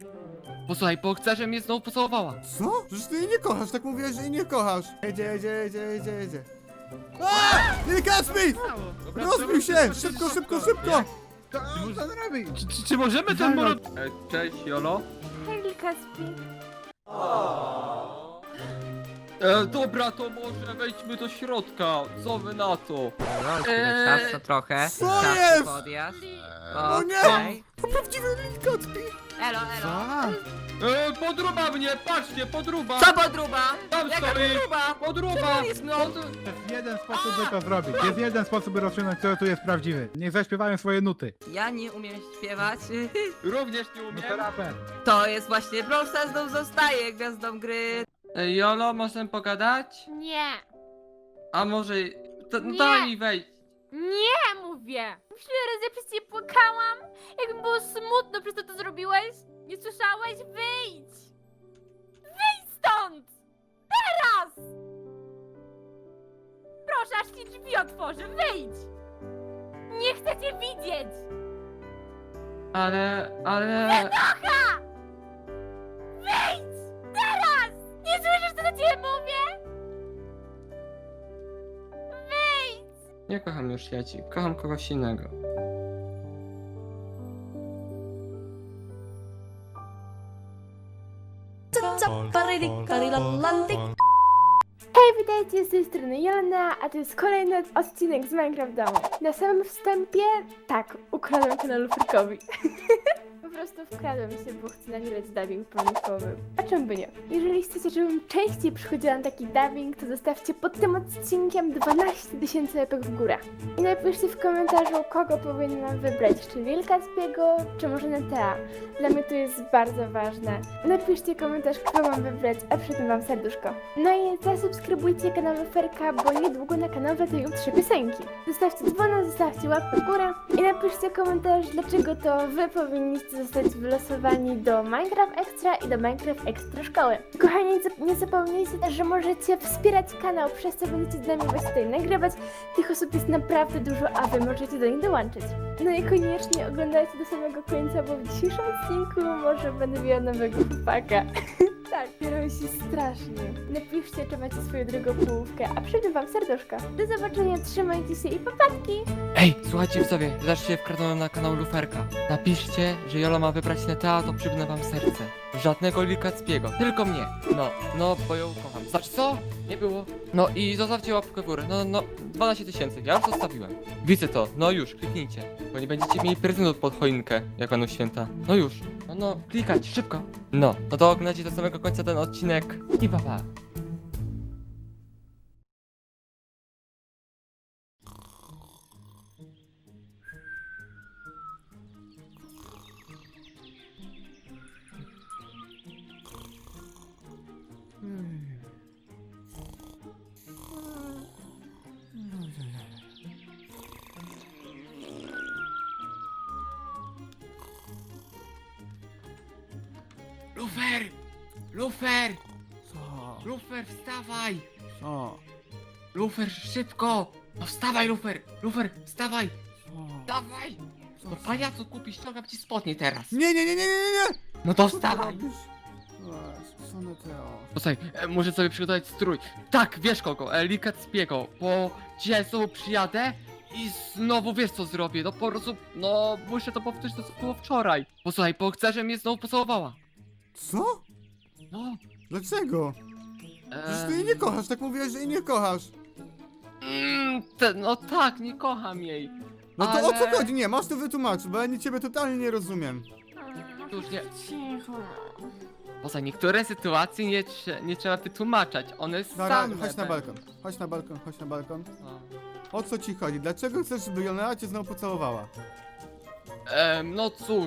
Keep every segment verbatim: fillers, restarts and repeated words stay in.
Posłuchaj, bo chcę, żeby mnie znowu pocałowała. Co? Przecież ty jej nie kochasz, tak mówiłeś, że jej nie kochasz. Jedzie, jedzie, jedzie, jedzie, jedzie. Aaa! Nie Kacpi! Dobra, Rozbił się! dobra, Szybko, szybko. szybko, szybko! To on co zrobi? Czy, czy, czy możemy ten moro... E, cześć, Jolo. Hej, Kaspi. E, dobra, to może wejdźmy do środka. Co wy na to? Eee, czas to trochę. co czas jest? Podjazd. O nie! Okej. To prawdziwy Lil Kacpi! Elo, elo. A, E, podruba mnie, patrzcie, podruba. Co podruba? Tam Jaka stoi. podruba? Podruba. No, jest jeden sposób, by to zrobić. Jest jeden sposób, by rozstrzygnąć, kto tu jest prawdziwy. Niech zaśpiewają swoje nuty. ja nie umiem śpiewać. Również nie No umiem. to raper. To jest właśnie Brawl Stars znów zostaje gwiazdą gry. E, Jolo, możemy pogadać? Nie, A może... To, Nie. daj mi wejść. nie mówię. Tyle razy przez ciebie płakałam. Jak mi było smutno przez to, co zrobiłeś. Nie słyszałeś? Wyjdź! Wyjdź stąd! Teraz! Proszę, aż ci drzwi otworzę. Wyjdź! Nie chcę cię widzieć! Ale... ale... Nocha! Wyjdź! Teraz! Nie słyszysz, co do ciebie mówię? Wyjdź! Nie kocham już Jaci, kocham kogoś innego. Hej, witajcie, z tej strony Jolana, a to jest kolejny odcinek z Minecraft Domu. Na samym wstępie, tak, ukradłem kanał Luferkowi. Po prostu wkradłem się, bo chcę nagrać dubbing pomysłowy. A czemu by nie? Jeżeli chcecie, żebym częściej przychodziła na taki dubbing, to zostawcie pod tym odcinkiem dwanaście tysięcy epek w górę. I napiszcie w komentarzu, kogo powinnam wybrać, czy Lil Kacpiego, czy może Netea. Dla mnie to jest bardzo ważne. Napiszcie komentarz, kogo mam wybrać, a przy tym wam serduszko. No i zasubskrybujcie kanał Luferka, bo niedługo na kanał wlatują trzy piosenki. Zostawcie dzwona, zostawcie łapkę w górę i napiszcie komentarz, dlaczego to wy powinniście zostać wylosowani do Minecraft Extra i do Minecraft Extra Szkoły. Kochani, nie zapomnijcie też, że możecie wspierać kanał, przez co będziecie z nami właśnie tutaj nagrywać. Tych osób jest naprawdę dużo, a wy możecie do nich dołączyć. No i koniecznie oglądajcie do samego końca, bo w dzisiejszym odcinku może będę miała nowego chłopaka. Tak, biorą się strasznie. Napiszcie, czy macie swoją drugą połówkę, a przede wam serduszko. Do zobaczenia, trzymajcie się i papatki! Ej, słuchajcie widzowie, zobaczcie, wkradłem na kanał Luferka. Napiszcie, że Jolo ma wybrać Netea, to przybnę wam serce. Żadnego Lil Kacpiego, tylko mnie. No, no, bo ją kocham. Znaczy co? Nie było. No i zostawcie łapkę w górę. No, no, dwanaście tysięcy, ja już zostawiłem. Widzę to, no już, kliknijcie. Bo nie będziecie mieli prezentu pod choinkę, jak będą święta. No już, no, no, klikać, szybko. No, no to oglądajcie do samego końca ten odcinek i pa pa. Lufer! Lufer! Co? Lufer, wstawaj! Co? Lufer, szybko! No wstawaj, Lufer! Lufer, wstawaj! Co? Dawaj! No pajacu kupisz, ściągam ci spodnie teraz! Nie, nie, nie, nie, nie, nie! No to Co ty wstawaj! robisz? Eee, Co Neteo? Posłuchaj, e, muszę sobie przygotować strój. Tak, wiesz kogo, e, Lil Kacpiego, bo dzisiaj znowu przyjadę i znowu wiesz co zrobię, no po prostu, no muszę to powtórzyć to co było wczoraj. Posłuchaj, bo chcę, żeby mnie znowu pocałowała. Co? No, Dlaczego? Przecież ty jej e, nie kochasz, tak mówiłeś, że jej nie kochasz. mm, te, no tak, nie kocham jej. No to o co Ale- chodzi? Nie, masz to wytłumaczyć, bo ja nie ciebie totalnie nie rozumiem. Już nie, Cicho. poza niektóre sytuacje nie, trze- nie trzeba wytłumaczać, one Dobra, same chodź na będą. balkon. Chodź na balkon, chodź na balkon. No. O co ci chodzi? Dlaczego chcesz, żeby Jolena cię znowu pocałowała? Em, no cóż.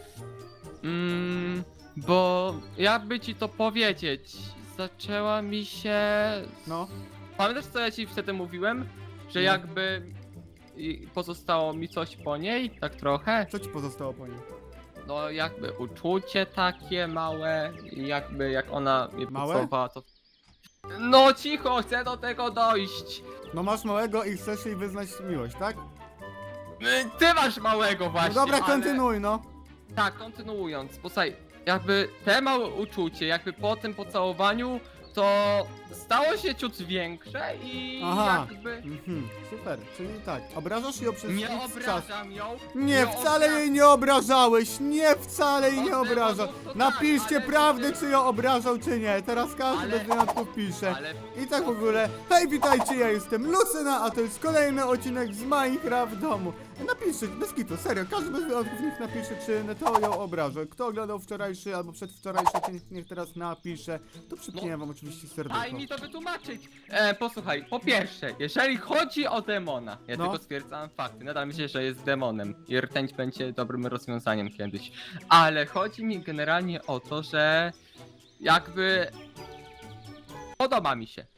Mm, bo jakby ci to powiedzieć, zaczęła mi się. No. Pamiętasz co ja ci wtedy mówiłem? Że Nie. jakby i pozostało mi coś po niej, tak trochę. Co ci pozostało po niej? No jakby uczucie takie małe, i jakby jak ona mnie Małe? pocałowała to. No cicho, chcę do tego dojść. No masz małego i chcesz jej wyznać miłość, tak? Y, Ty masz małego właśnie. No dobra, ale- kontynuuj, no. Tak, kontynuując, posłuchaj, jakby te małe uczucie, jakby po tym pocałowaniu, to stało się ciut większe i Aha. jakby... Mhm, super, czyli tak, obrażasz ją przez Nie x czas. obrażam ją. Nie, wcale obra- jej nie obrażałeś! Nie, wcale jej nie Od obrażał! demonów to tak, Napiszcie ale- prawdę, czy ją obrażał, czy nie. Teraz każdy Ale- bez wyjątków pisze. Ale I tak w ogóle, hej, witajcie, ja jestem Lucyna, a to jest kolejny odcinek z Minecraft domu. Napiszcie, bez kitu, serio, każdy bez wyjątków niech napisze, czy Neteo ją obraża. Kto oglądał wczorajszy albo przedwczorajszy, to niech, niech teraz napisze. To przypnię wam oczywiście daj serducho. mi to wytłumaczyć. E, posłuchaj, po pierwsze, jeżeli chodzi o demona, ja No. tylko stwierdzam fakty, nadal myślę, że jest demonem i rtęć będzie dobrym rozwiązaniem kiedyś. Ale chodzi mi generalnie o to, że jakby podoba mi się.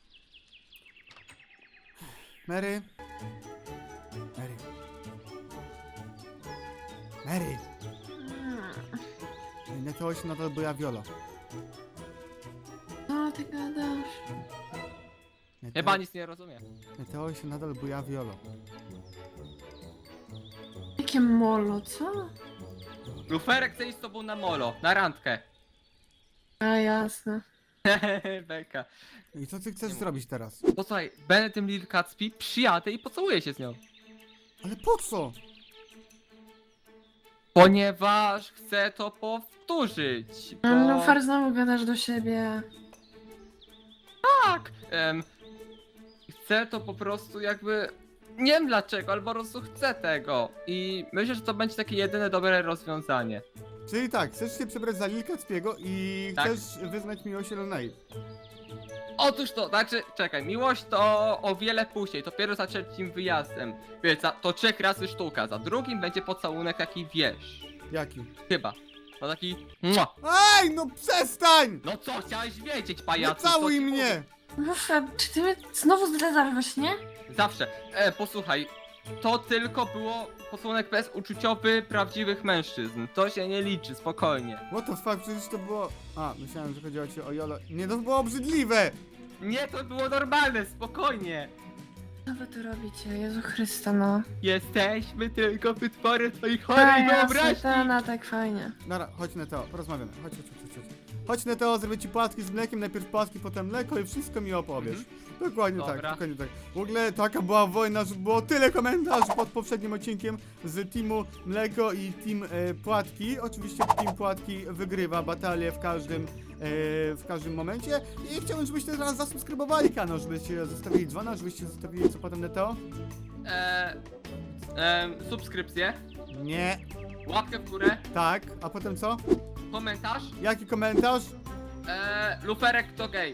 Mary? Mary? Mary? Neteo się nadal boja Viola. Co ty gadasz? Chyba nic nie rozumiem. Neteo się nadal boja Viola. Jakie molo, co? Luferek chce iść z tobą na molo, na randkę. A jasne. Beka. I co ty chcesz zrobić teraz? Posłuchaj, będę tym Lil Kacpi, przyjadę i pocałuję się z nią. Ale po co? Ponieważ chcę to powtórzyć. Bo... No far znowu gadasz do siebie. tak! Em, chcę to po prostu jakby. Nie wiem dlaczego, ale po prostu chcę tego. I myślę, że to będzie takie jedyne dobre rozwiązanie. Czyli tak, chcesz się przebrać za Lilka Cpiego i Tak. chcesz wyznać miłość Elonej. Otóż to, znaczy, czekaj, miłość to o wiele później, dopiero za trzecim wyjazdem. Więc za, to trzech razy sztuka, za drugim będzie pocałunek taki wiesz. Jaki? Chyba. No taki. Mua. Ej, no przestań! No co, chciałeś wiedzieć, Nie pajacu? całuj co ci mnie! Muszę, czy ty mnie znowu zdradzasz właśnie? Zawsze. E, posłuchaj, to tylko było pocałunek bez uczuciowy prawdziwych mężczyzn. To się nie liczy, spokojnie. What the fuck, przecież to było... A, myślałem, że chodziło ci o Jolo. Nie, to było obrzydliwe! Nie, to było normalne, spokojnie. Co wy tu robicie? Jezu Chrysta, no. Jesteśmy tylko wytworem twojej A chorej jasne, wyobraźni. ta, no tak fajnie. Dobra, chodź Neteo, porozmawiamy. Chodź, chodź, chodź, chodź. Chodź Neteo, zrobię ci płatki z mlekiem, najpierw płatki, potem mleko i wszystko mi opowiesz. Dokładnie tak, Dobra. dokładnie tak. W ogóle taka była wojna, że było tyle komentarzy pod poprzednim odcinkiem z teamu Mleko i team e, Płatki. Oczywiście team Płatki wygrywa batalię w każdym, e, w każdym momencie. I chciałbym, żebyście teraz zasubskrybowali kanał, żebyście zostawili dzwona, żebyście zostawili co potem Neteo? E, e, subskrypcję, Nie, łapkę w górę, tak, a potem co? komentarz. Jaki komentarz? E, luferek to gej.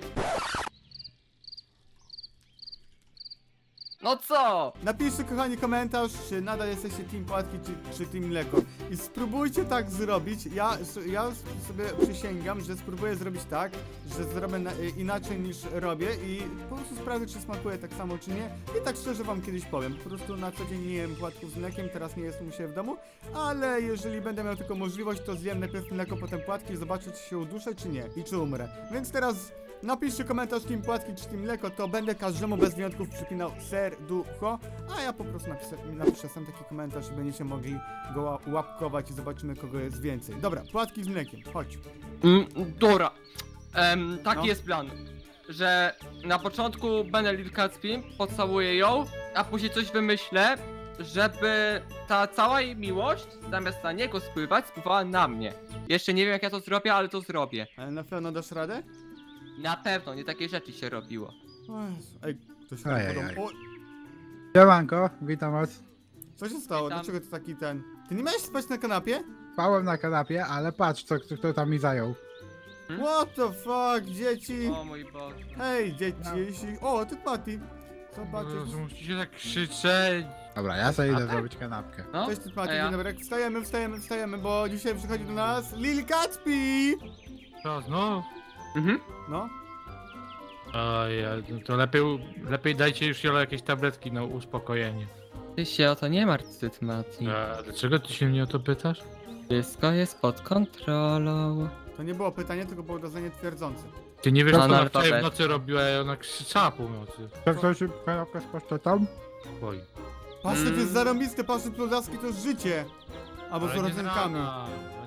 No co? Napiszcie kochani komentarz, czy nadal jesteście team Płatki, czy, czy team Mleko. I spróbujcie tak zrobić. Ja, ja sobie przysięgam, że spróbuję zrobić tak, że zrobię na, inaczej niż robię i po prostu sprawdzę, czy smakuje tak samo, czy nie. I tak szczerze wam kiedyś powiem. Po prostu na co dzień nie jem płatków z mlekiem, teraz nie jestem u siebie w domu, ale jeżeli będę miał tylko możliwość, to zjem najpierw mleko, potem płatki i zobaczę, czy się uduszę, czy nie i czy umrę. Więc teraz napiszcie komentarz team Płatki czy team Mleko, to będę każdemu bez wyjątków przypinał serducho, a ja po prostu napiszę, napiszę sam taki komentarz i będziecie mogli go ła- łapkować i zobaczymy, kogo jest więcej. Dobra, Płatki z mlekiem, chodź. Mm, dobra. Em, taki No. jest plan. Że na początku będę Lil Kacpi, pocałuję ją, a później coś wymyślę, żeby ta cała jej miłość zamiast na niego spływać, spływała na mnie. Jeszcze nie wiem jak ja to zrobię, ale to zrobię. Ale na pewno dasz radę? Na pewno, nie takie rzeczy się robiło. O Jezu, ej, to się Ej, tak ej, podoba. O, Siemanko, witam was. co się stało? Witam. Dlaczego to taki ten... Ty nie miałeś spać na kanapie? Spałem na kanapie, ale patrz, co, kto, kto tam mi zajął. Hmm? What the fuck, dzieci? O mój Boże. Hej, dzieci, jeśli... O, ty Patty. Zobaczysz. Boże, musicie tak krzyczeć. Dobra, ja sobie idę A tak? zrobić kanapkę. No, Cześć, ty Patty, a ja? dzień dobry. Wstajemy, wstajemy, wstajemy, bo dzisiaj przychodzi do nas Lil Kacpi! Co, znów? Mhm. No. Oj, no to lepiej, lepiej dajcie już Jolo jakieś tabletki na uspokojenie. Ty się o to nie martw, Tytmati. A dlaczego ty się mnie o to pytasz? Wszystko jest pod kontrolą. To nie było pytanie, tylko było dodanie twierdzące. Ty nie wiesz, co ona Analfabet. wczoraj w nocy robiła, i ona krzyczała północy. To ktoś kanapkę z pasztetą? Oj. Pasztet Mm. jest zarąbisty, pasztet pludaski to jest życie. Albo z Ale nie z rodzynkami. rana, ale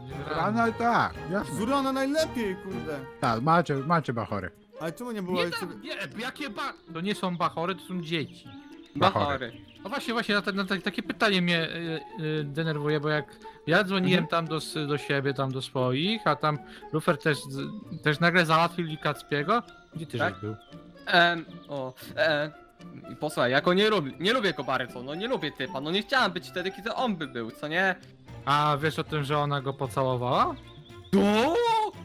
Rano tak, jasne. Z rana najlepiej, kurde. Tak, macie, macie bachory. Ale czemu nie było Nie, jeszcze... tam, nie, jakie ba... To nie są bachory, to są dzieci. Bachory. No właśnie, właśnie, na, te- na te- takie pytanie mnie y, y, denerwuje, bo jak ja dzwoniłem tam do, s- do siebie, tam do swoich, a tam Lufer też, z- też nagle załatwił Likackiego. Gdzie ty Tak? żeś był? Em, o, e, i posłuchaj, ja go nie lubię, nie lubię go bardzo, no nie lubię typa, no nie chciałem być wtedy, kiedy on by był, co nie? A wiesz o tym, że ona go pocałowała? O!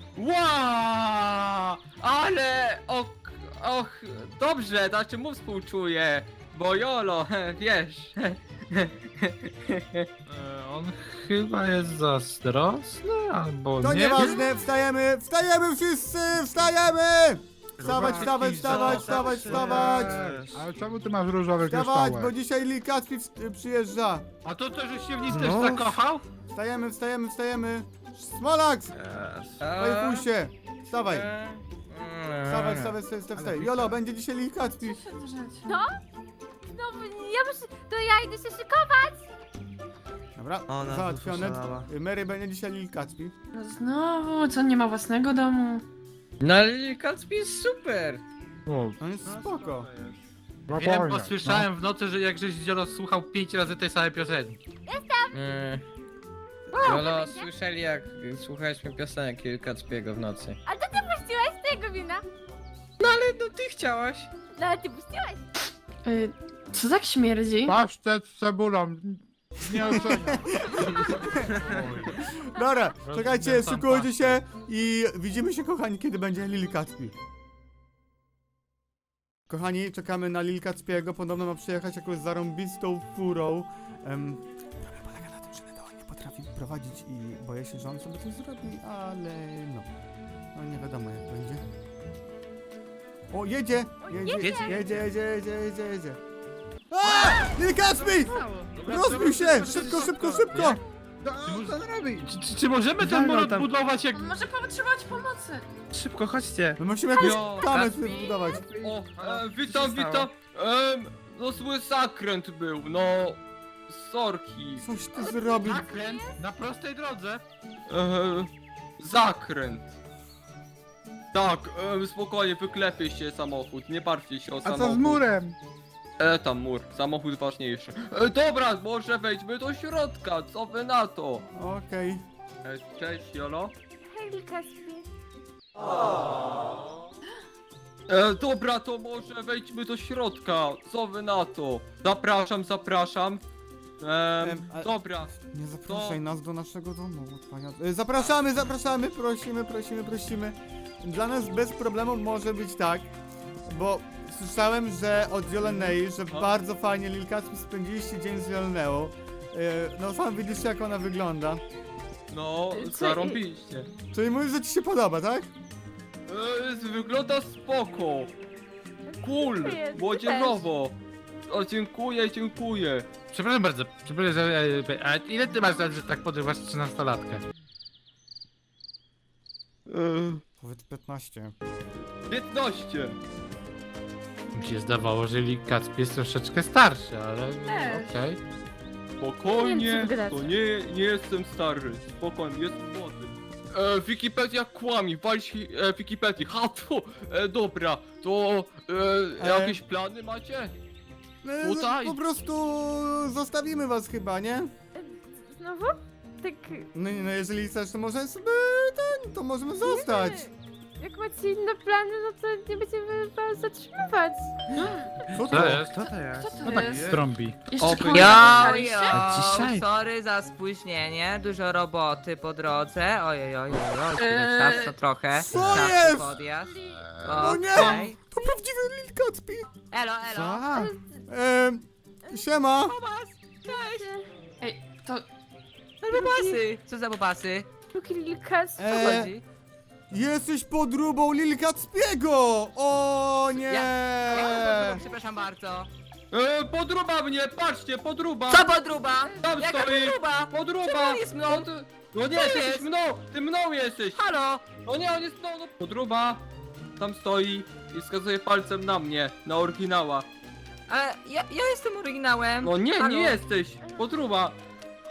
Wow! Ale, och, och, dobrze, znaczy mu współczuję, bo Jolo, wiesz. E, on chyba jest zazdrosny, albo To nie. nieważne, wstajemy, wstajemy wszyscy, wstajemy! Wstawać, wstawać, wstawać, wstawać, wstawać! Ale czemu ty masz różowy Wstawać, bo kryształek? dzisiaj Lil Kacpi w- przyjeżdża. A to też żeś się w nim też zakochał? Wstajemy, wstajemy, wstajemy. Smolax! Fajfusie! Wstawaj, wstawaj, wstawaj, wstawaj, wstawaj, wstawaj. Jolo, będzie dzisiaj Lil Kacpi. Co się drzecie? No, ja muszę, to ja idę się szykować. Dobra, Ona załatwione. poszalała. Mary będzie dzisiaj Lil Kacpi. No znowu, co nie ma własnego domu? No ale Kacpi jest super. O, On jest spoko. Wiem, bo słyszałem w nocy, że jak żeś Dzielo słuchał pięć razy tej samej piosenki. Mm. Jolo, słyszeli jak słuchaliśmy piosenek Kacpiego w nocy. A to ty puściłaś z tego wina? Ale no ty chciałaś. No ale ty puściłaś. Y, co tak śmierdzi? Pasztet z cebulą. Nie oceniam. Dobra, czekajcie, Tam szykujcie się i widzimy się, kochani, kiedy będzie Lil Kacpi. Kochani, czekamy na Lil Kacpiego, podobno ma przyjechać jakąś zarąbistą furą. Um, problem polega na tym, że Neo nie potrafi prowadzić i boję się, że on sobie coś zrobi, ale no. No nie wiadomo jak będzie. O, jedzie! Jedzie, jedzie, jedzie, jedzie, jedzie, jedzie, jedzie. A! Lil Kacpi! Rozbił się! Szybko, szybko, szybko! Co on robi? Czy, czy, czy możemy ten Walnął mur tam. odbudować jak... Może potrzebować pomocy. Szybko, chodźcie. My musimy jakiś Jo, kamer Kacpi. sobie wybudować. O, e, Co witam, się witam. Em, no zły zakręt był, no. Sorki. Coś ty zrobił. Zakręt na prostej drodze. E, zakręt. Tak, e, spokojnie, wyklepie się samochód, nie martwcie się o A samochód. co z murem? E, tam mur, samochód ważniejszy. E, dobra, może wejdźmy do środka, co wy na to? Okej. E, cześć, Jolo. Hej, Lil Kacpi. E, dobra, to może wejdźmy do środka, co wy na to? Zapraszam, zapraszam. Em, Em, a- dobra, Nie zapraszaj To- nas do naszego domu. Pania... Y, Zapraszamy, zapraszamy, prosimy, prosimy, prosimy. Dla nas bez problemu może być tak, bo słyszałem, że od Jolenei, że O. bardzo fajnie Lil Kacpi spędziliście dzień z Joleneą. Y, No sam widzisz jak ona wygląda. no, Co- zarąbiście. Czyli mówisz, że ci się podoba, tak? E, wygląda spoko. Cool, Dziękuję, ty młodzieżowo. O, dziękuję, dziękuję. Przepraszam bardzo, przepraszam, że- e, a ile ty masz lat, że tak podrywasz trzynastolatkę? E, Powiedz piętnaście. piętnaście. Mi się zdawało, że Likacki jest troszeczkę starszy, ale Też. okej. Spokojnie, Nie wiem, co wy to nie, nie jestem stary. Spokojnie, jestem młody. E, Wikipedia kłami, walić e, Wikipedii. Ha, tu, e, dobra, to e, E. jakieś plany macie? Y, Tutaj. Po prostu zostawimy was chyba, nie? Znowu? Tak, No, no jeżeli chcesz, to może sobie ten, to możemy zostać. jak macie inne plany, no to nie będziemy was zatrzymywać. Co Co jest? Co to jest? Co to No tak jest? strąbi. Jeszcze Oby- kogoś Jo, spotkaliście? jo, Dzisiaj. sorry za spóźnienie, dużo roboty po drodze. Ojej, oj, oj, oj, Eee, czas to trochę. co Czas jest? podjazd. No nie! Okej. To prawdziwy Lil Kacpi. Elo, elo. Ehm, siema. Ej, to... No bobasy. Co za bobasy? Drugi Lil Kacpi. Co E, chodzi? Jesteś podróbą Lil Kacpiego! O nie! Ja, przepraszam bardzo. E, podruba mnie, patrzcie, podruba! Co podruba? Tam Jaka stoi! podruba? Podruba! Czemu on jest mną? Pod... No nie, Co jesteś jest? mną! Ty mną jesteś! Halo? No nie, on jest mną, no podruba! Tam stoi i wskazuje palcem na mnie, na oryginała. Ale ja, ja jestem oryginałem. No nie, Halo? nie jesteś! Podruba!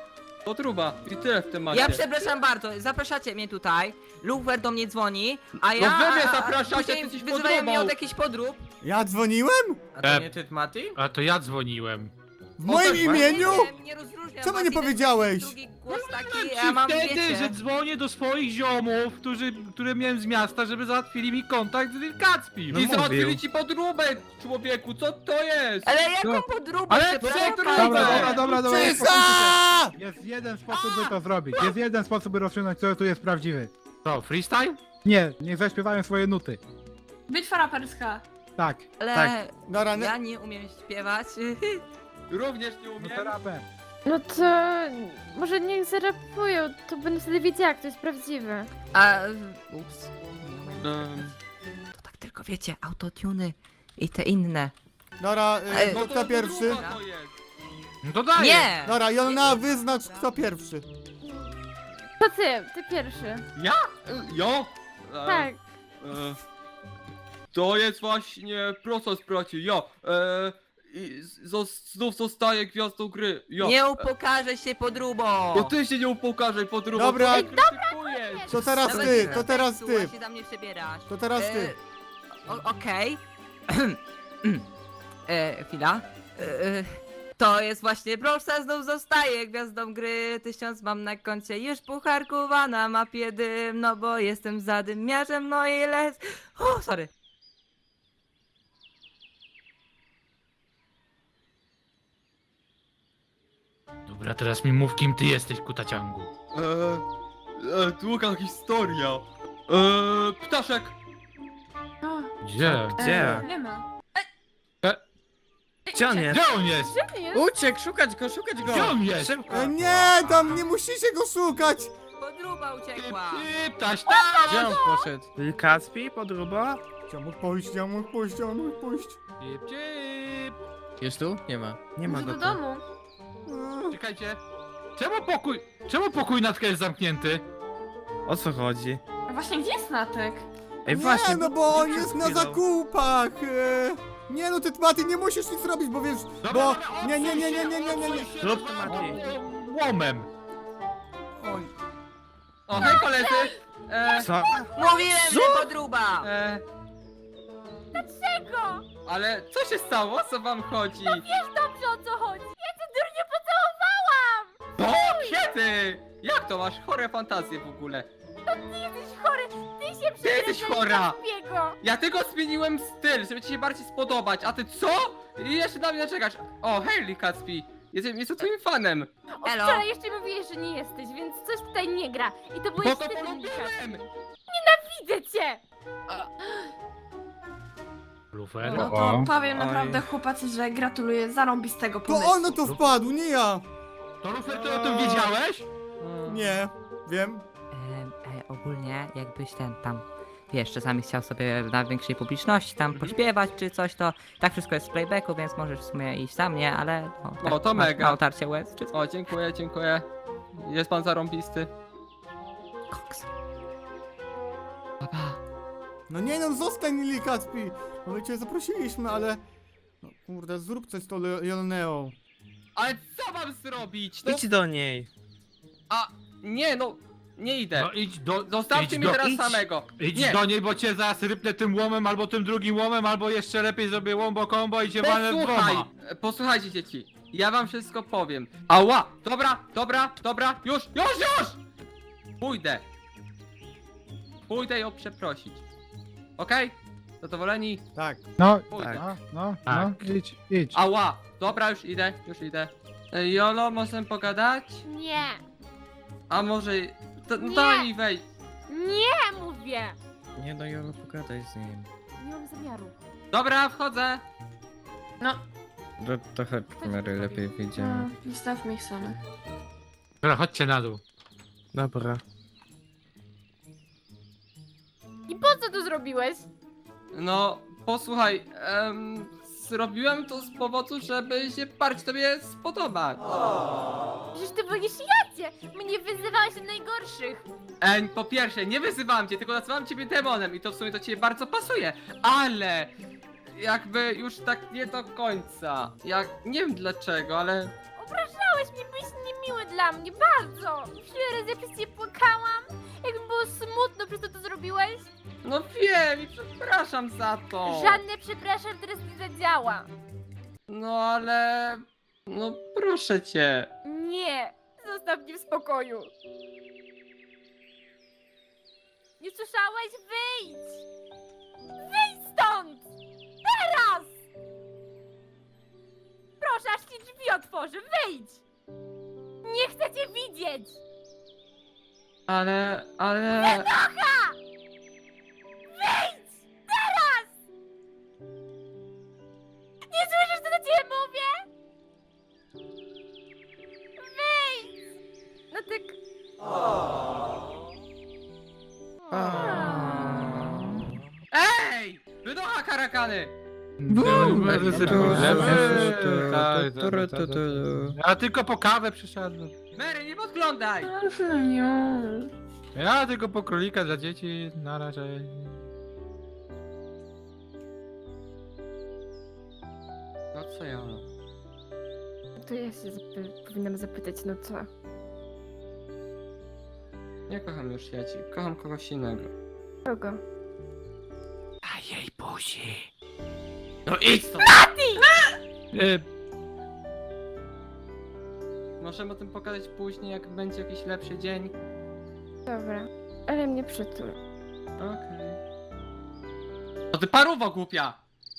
Podruba i tyle w temacie. Ja przepraszam bardzo, zapraszacie mnie tutaj, Lufer do mnie dzwoni, a ja... No wy mnie a- a- zapraszacie, później ty jesteś wyzywają mnie podróbą. od jakichś podrób. Ja dzwoniłem? A to E, nie ty, Mati? A to ja dzwoniłem. W moim tak, imieniu? Nie, wiem, nie rozróżniam Co was, nie jeden powiedziałeś? Drugi głos taki, Ci ja mam, wtedy, wiecie... że dzwonię do swoich ziomów, którzy, które miałem z miasta, żeby załatwili mi kontakt z Wilkacpim. I załatwili ci podróbę, człowieku, co to jest? Ale jaką No. podróbę? Ale przepraszam co bardzo. Dobra, dobra, dobra, dobra. Cisza! Jest jeden sposób, by to zrobić. Jest jeden sposób, by rozstrzygnąć, kto tu jest prawdziwy. To, freestyle? Nie, niech zaśpiewają swoje nuty. Bitwa raperska. Tak. Ale Tak. Dobra, ja nie umiem śpiewać. Również nie No umiem. to rapem. No to może niech zarapują, to będę wtedy wiedziała, kto jest prawdziwy. A... Ups. Em, To tak tylko wiecie, autotuny i te inne. Dobra, Ej, y, no to kto pierwszy? podróba to jest. No to daję. Nie! Dobra, Jolna, wyznacz kto pierwszy. To ty, ty pierwszy. Ja? Jo? E, Tak. E, to jest właśnie proces braci, ja. E, i z, znów zostaję gwiazdą gry, ja. Nie upokarzę się podróbą! To ty się nie upokarzaj podróbą. Dobra. co ty krytykujesz? To teraz Nawet ty, nie to teraz seksu, ty. a się na mnie przebierasz. To teraz ty. E, o- Okej. e, chwila. E, e, to jest właśnie Browsa, znów zostaje gwiazdą gry. Tysiąc mam na koncie, już pucharkowa na mapie dym. No bo jestem zadymiarzem, no i les. O, sorry. Dobra, teraz mi mów, kim ty jesteś, kutaciągu. E, e, długa historia. E, ptaszek. O, Gdzie? e, nie ma. Gdzie on jest? Gdzie on jest? Gdzie ty jest? Uciekł, szukać go, szukać go. Gdzie on jest? E, nie, tam nie musicie go szukać. Podróba uciekła. Ty, ptaś, tam! Gdzie on poszedł? Kacpi, podróba? Gdzie mógł pójść, gdzie mógł pójść, gdzie mógł pójść? Cip, cip. Jest tu? Nie ma. Nie ma Może go do tu. domu. E, Czekajcie. Czemu pokój, czemu pokój Natka jest zamknięty? O co chodzi? A właśnie, gdzie jest Natek? Ej, Nie, właśnie. no bo on przed jest na chwilą. zakupach. e. Nie no, ty Maty, nie musisz nic robić, bo wiesz, Dobra, bo... dobra, Nie, nie, nie, nie, odsuń nie, nie, nie, nie. się, Zrób odsuń to, się. Mati. Łomem. Oj. O, hej koledzy. E, Co? Mówiłem, że podróba. e, Dlaczego? ale co się stało? O co wam chodzi? Wiesz dobrze, o co chodzi. Ja cię durnie pocałowałam! O, kiedy? Jak to masz chore fantazje w ogóle? Ty jesteś chory, ty się Ty jesteś przebierasz chora. za Biego. Ja tylko zmieniłem styl, żeby ci się bardziej spodobać, a ty co? I jeszcze na mnie czekasz. O, hej, Kacpi. Jestem, jestem twoim fanem. Od Elo. wczoraj jeszcze mówiłeś, że nie jesteś, więc coś tutaj nie gra. I to byłeś Bo to ty, polubiłem. widzę cię! Lufer. No to powiem naprawdę chłopacy, że gratuluję zarąbistego To pomysłu. on na to wpadł, nie ja. To Lufer, ty o tym wiedziałeś? Nie, wiem. E, e, ogólnie, jakbyś ten tam, wiesz, czasami chciał sobie na większej publiczności tam pośpiewać czy coś, to tak wszystko jest w playbacku, więc możesz w sumie iść za mnie, ale no, tak, No, to masz mega. na otarcie łez czy coś. O, dziękuję, dziękuję. Jest pan zarąbisty. Koks. Papa. No nie no, zostań Lili Kacpi. No my cię zaprosiliśmy, ale... No kurde, zrób coś z tą Le- Jolneą. Ale co mam zrobić? No, Idź do niej. a, nie no, nie idę. No idź do... Zostawcie idź mnie do, teraz idź. samego. Idź nie. do niej, bo cię zaraz rypnę tym łomem, albo tym drugim łomem, albo jeszcze lepiej zrobię łombo kombo i cię walnę Posłuchaj, dwoma. e, posłuchajcie dzieci. Ja wam wszystko powiem. Ała! Dobra, dobra, dobra, już, już, już! Pójdę. Pójdę ją przeprosić. Okej? Zadowoleni? Tak. No, Pójdę. no, no, Tak. no, idź, idź. Ała! Dobra, już idę, już idę. E, Jolo, możemy pogadać? Nie, A może... To, no Nie. daj mi wejść. nie mówię! Nie no, Jolo, pogadaj z nim. Nie mam zamiaru. Dobra, wchodzę. No, To, trochę kamery lepiej no, wyjdziemy. zostawmy ich samych. Dobra, chodźcie na dół. Dobra. I po co to zrobiłeś? No, posłuchaj, em, zrobiłem to z powodu, żeby się bardziej tobie spodobać. Przecież ty boisz jacie! Mnie wyzywałeś od najgorszych! E, po pierwsze, nie wyzywałem cię, tylko nazywałem ciebie demonem i to w sumie do ciebie bardzo pasuje, ale jakby już tak nie do końca. Jak, nie wiem dlaczego, ale Obrażałeś strasznie byłeś niemiły dla mnie, bardzo. Wiele razy ja przez ciebie płakałam. Jak mi było smutno, przez to to zrobiłeś. No wiem i przepraszam za to. Żadne przepraszam teraz nie zadziała. No ale... No proszę cię. Nie, zostaw mnie w spokoju. Nie słyszałeś? Wyjdź! Wyjdź stąd! Teraz! Proszę, aż ci drzwi otworzę, wyjdź! Nie chcę cię widzieć! Ale... ale... Wynocha! Wyjdź! Teraz! Nie słyszysz, co do ciebie mówię? Wyjdź! No tak... Ej! Wynocha karakany! Ja tylko po kawę przyszedłem. Mary, nie podglądaj! Ja tylko po królika dla dzieci, na razie. No co ja? To ja się zapy powinnam zapytać, no co? Nie kocham już Jaci, kocham kogoś innego. Kogo? A jej buzi. No idź stąd! E, Możemy o tym pogadać później, jak będzie jakiś lepszy dzień. Dobra, ale mnie przytul. Okej. To ty paruwo głupia!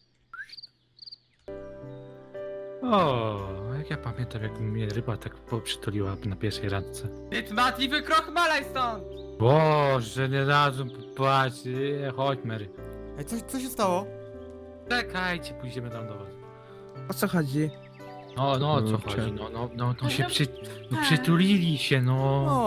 o, jak ja pamiętam, jak mnie ryba tak poprzytuliła na pierwszej randce. Ty tmatli wykrochmalaj stąd! Boże, nie dadzą popatrz, e, chodź Mary. Ej, co, co się stało? Czekajcie, pójdziemy tam do was. O co chodzi? No, no, o co Kurczę. chodzi, no, no, no, no się No, przy, no, przytulili się, no.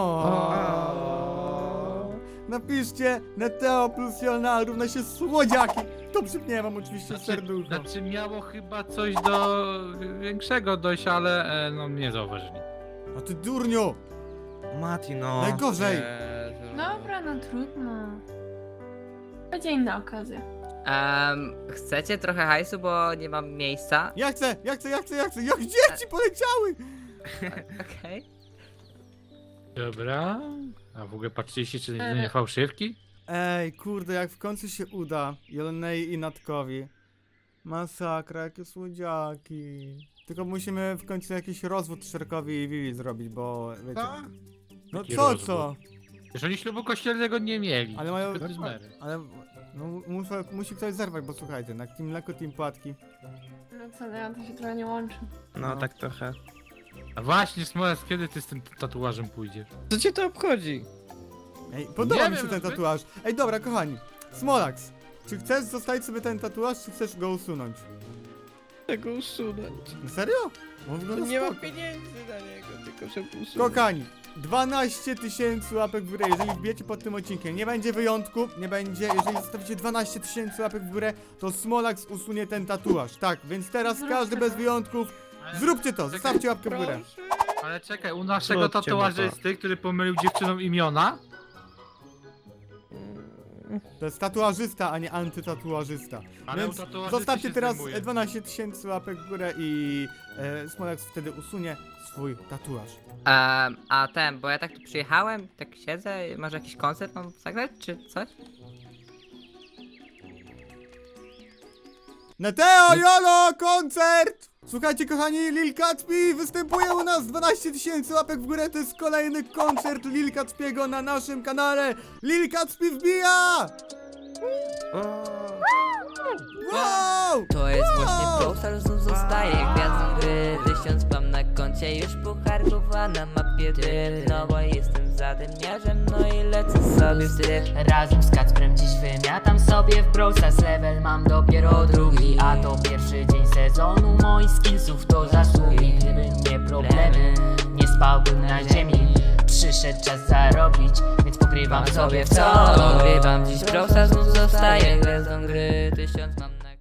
O. Napiszcie Neteo plus Jolna równa się słodziaki. To przypnie wam oczywiście serducho. Znaczy miało chyba coś do większego dojść, ale e, no nie zauważyli. A ty durniu! Mati, no. Najgorzej. Dobra, no trudno. Będzie inna okazja. Um, chcecie trochę hajsu, bo nie mam miejsca? Ja chcę, ja chcę, ja chcę, ja chcę. Jak dzieci poleciały! Okej. Dobra. A w ogóle patrzyliście, czy Ale- nie fałszywki? Ej, kurde, jak w końcu się uda Jolnej i Natkowi. Masakra, jakie słodziaki. Tylko musimy w końcu jakiś rozwód Szerkowi i Vivi zrobić, bo wiecie. Co? No Jaki co, rozwód? co? Już oni ślubu kościelnego nie mieli. Ale mają- Bez Mary. Ale no, muszę, musi ktoś zerwać, bo słuchajcie, na Team Mleko, Team Płatki. No co, ja to się trochę nie łączy. No tak trochę. A właśnie, Smoles, kiedy ty z tym tatuażem pójdziesz? Co cię to obchodzi? Ej, podoba Nie mi się wiem, ten wy- tatuaż. Ej, dobra, kochani. Smolax, czy chcesz zostawić sobie ten tatuaż, czy chcesz go usunąć? Tego usunąć. Na serio? On wygląda Nie mam spoko. pieniędzy na niego, tylko żeby usunąć. Kochani, dwanaście tysięcy łapek w górę, jeżeli wbijecie pod tym odcinkiem. Nie będzie wyjątku, nie będzie. Jeżeli zostawicie dwanaście tysięcy łapek w górę, to Smolax usunie ten tatuaż. Tak, więc teraz Zróbmy każdy to. bez wyjątków, zróbcie to, zostawcie łapkę w górę. Ale czekaj, u naszego Zróbcie mu to. tatuażysty, który pomylił dziewczynom imiona? To jest tatuażysta, a nie antytatuażysta. Ale Więc u tatuażysty zostawcie się teraz zdejmuje. dwanaście tysięcy łapek w górę i e, Smolax wtedy usunie swój tatuaż. Um, a ten, bo ja tak tu przyjechałem, tak siedzę, może jakiś koncert mam zagrać, czy coś? Neteo, Jolo, koncert! Słuchajcie, kochani, Lil Kacpi występuje u nas, dwanaście tysięcy łapek w górę, to jest kolejny koncert Lil Kacpiego na naszym kanale. Lil Kacpi wbija! Wow! To jest Wow! właśnie Brawl Stars, znów zostaje gwiazdą gry. Tysiąc mam na koncie, już pucharków, a na mapie dym. No bo jestem zadymiarzem, no i lecę sobie w styl. Razem z Kacprem dziś wymiatam sobie w Brawl Stars. Level mam dopiero drugi, a to pierwszy dzień sezonu. Moich skillsów to zasługi. Gdyby nie problemy, nie spałbym na ziemi. Przyszedł czas zarobić, więc pogrywam sobie w co. Pogrywam dziś Brawl Stars, znów zostaje gwiazdą gry. Tysiąc mam